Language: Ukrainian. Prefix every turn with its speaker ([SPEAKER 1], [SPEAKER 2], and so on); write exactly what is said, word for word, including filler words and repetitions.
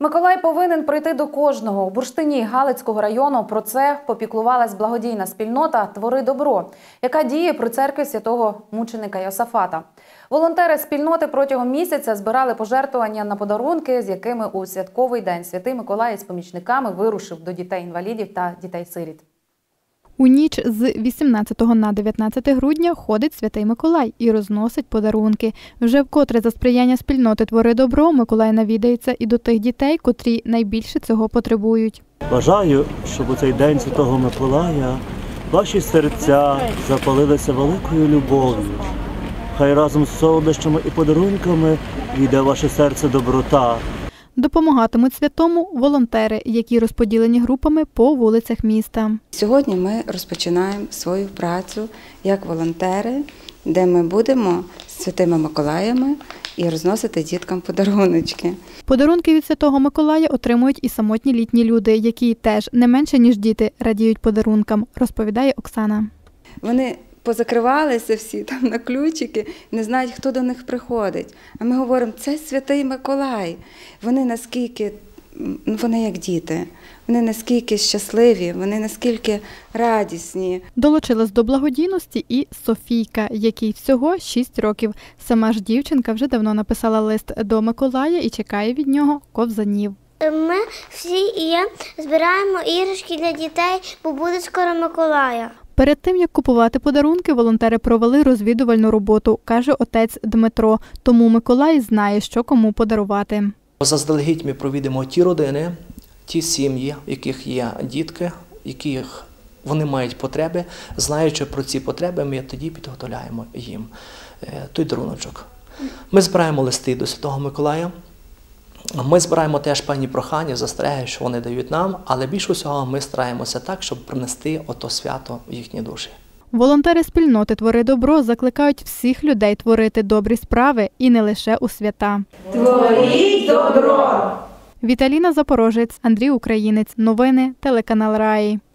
[SPEAKER 1] Миколай повинен прийти до кожного. У Бурштині Галицького району про це попіклувалась благодійна спільнота «Твори добро», яка діє при церкві святого мученика Йосафата. Волонтери спільноти протягом місяця збирали пожертвування на подарунки, з якими у святковий день Святий Миколай з помічниками вирушив до дітей-інвалідів та дітей-сиріт.
[SPEAKER 2] У ніч з вісімнадцятого на дев'ятнадцяте грудня ходить Святий Миколай і розносить подарунки. Вже вкотре за сприяння спільноти «Твори добро» Миколай навідається і до тих дітей, котрі найбільше цього потребують.
[SPEAKER 3] Бажаю, щоб у цей день Святого Миколая ваші серця запалилися великою любов'ю. Хай разом з солодощами і подарунками війде в ваше серце доброта.
[SPEAKER 2] Допомагатимуть святому волонтери, які розподілені групами по вулицях міста.
[SPEAKER 4] Сьогодні ми розпочинаємо свою працю як волонтери, де ми будемо з Святими Миколаями і розносити діткам подаруночки.
[SPEAKER 2] Подарунки від Святого Миколая отримують і самотні літні люди, які теж не менше, ніж діти, радіють подарункам, розповідає Оксана.
[SPEAKER 4] Вони позакривалися всі там на ключики, не знають, хто до них приходить. А ми говоримо, це Святий Миколай. Вони наскільки, вони як діти, вони наскільки щасливі, вони наскільки радісні.
[SPEAKER 2] Долучилась до благодійності і Софійка, якій всього шість років. Сама ж дівчинка вже давно написала лист до Миколая і чекає від нього ковзанів.
[SPEAKER 5] Ми всі і я збираємо іграшки для дітей, бо буде скоро Миколая.
[SPEAKER 2] Перед тим, як купувати подарунки, волонтери провели розвідувальну роботу, каже отець Дмитро. Тому Миколай знає, що кому подарувати.
[SPEAKER 6] Заздалегідь ми провідемо ті родини, ті сім'ї, в яких є дітки, яких вони мають потреби. Знаючи про ці потреби, ми тоді підготовляємо їм той даруночок. Ми збираємо листи до Святого Миколая. Ми збираємо теж певні прохання, застереження, що вони дають нам, але більше всього ми стараємося так, щоб принести ото свято в їхні душі.
[SPEAKER 2] Волонтери спільноти «Твори добро» закликають всіх людей творити добрі справи і не лише у свята.
[SPEAKER 7] Творіть добро!
[SPEAKER 2] Віталіна Запорожець, Андрій Українець. Новини, телеканал Раї.